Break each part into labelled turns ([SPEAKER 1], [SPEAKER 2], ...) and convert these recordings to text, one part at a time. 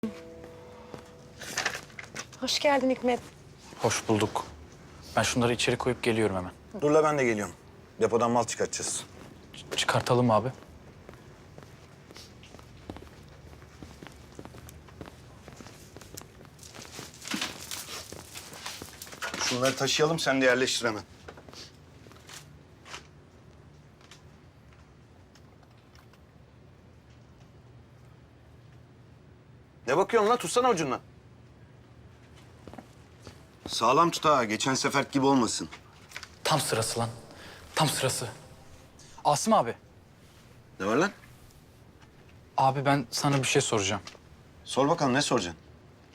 [SPEAKER 1] Hoş geldin Hikmet.
[SPEAKER 2] Hoş bulduk. Ben şunları içeri koyup geliyorum hemen.
[SPEAKER 3] Dur la ben de geliyorum. Depodan mal çıkartacağız.
[SPEAKER 2] Çıkartalım abi.
[SPEAKER 3] Şunları taşıyalım, sen de yerleştir hemen. Ne bakıyorsun lan? Tutsana ucundan. Sağlam tut ha. Geçen sefer gibi olmasın.
[SPEAKER 2] Tam sırası lan. Tam sırası. Asım abi.
[SPEAKER 3] Ne var lan?
[SPEAKER 2] Abi ben sana bir şey soracağım.
[SPEAKER 3] Sor bakalım, ne soracaksın?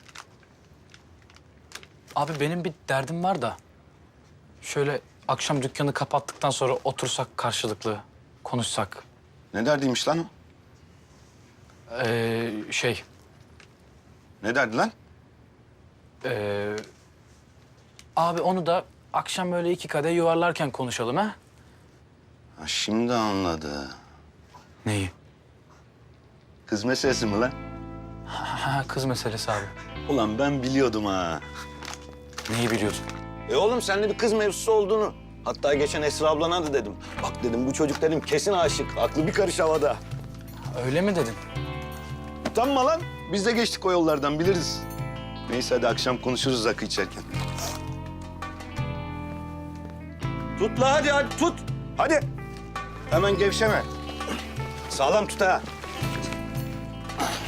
[SPEAKER 2] Abi benim bir derdim var da. Şöyle akşam dükkanı kapattıktan sonra otursak karşılıklı konuşsak.
[SPEAKER 3] Ne derdiymiş lan o?
[SPEAKER 2] Şey.
[SPEAKER 3] Ne derdi lan?
[SPEAKER 2] Abi onu da akşam böyle iki kadeh yuvarlarken konuşalım ha?
[SPEAKER 3] Ha, şimdi anladı.
[SPEAKER 2] Neyi?
[SPEAKER 3] Kız meselesi mi lan?
[SPEAKER 2] Ha, kız meselesi abi.
[SPEAKER 3] Ulan ben biliyordum ha.
[SPEAKER 2] Neyi biliyordun?
[SPEAKER 3] Oğlum sende bir kız mevzusu olduğunu. Hatta geçen Esra ablana da dedim. Bak dedim, bu çocuk dedim kesin aşık. Aklı bir karış havada.
[SPEAKER 2] Öyle mi dedin?
[SPEAKER 3] Utanma lan. Biz de geçtik o yollardan, biliriz. Neyse hadi akşam konuşuruz rakı içerken. Tut la, hadi tut. Hadi. Hemen gevşeme. Sağlam tut ha.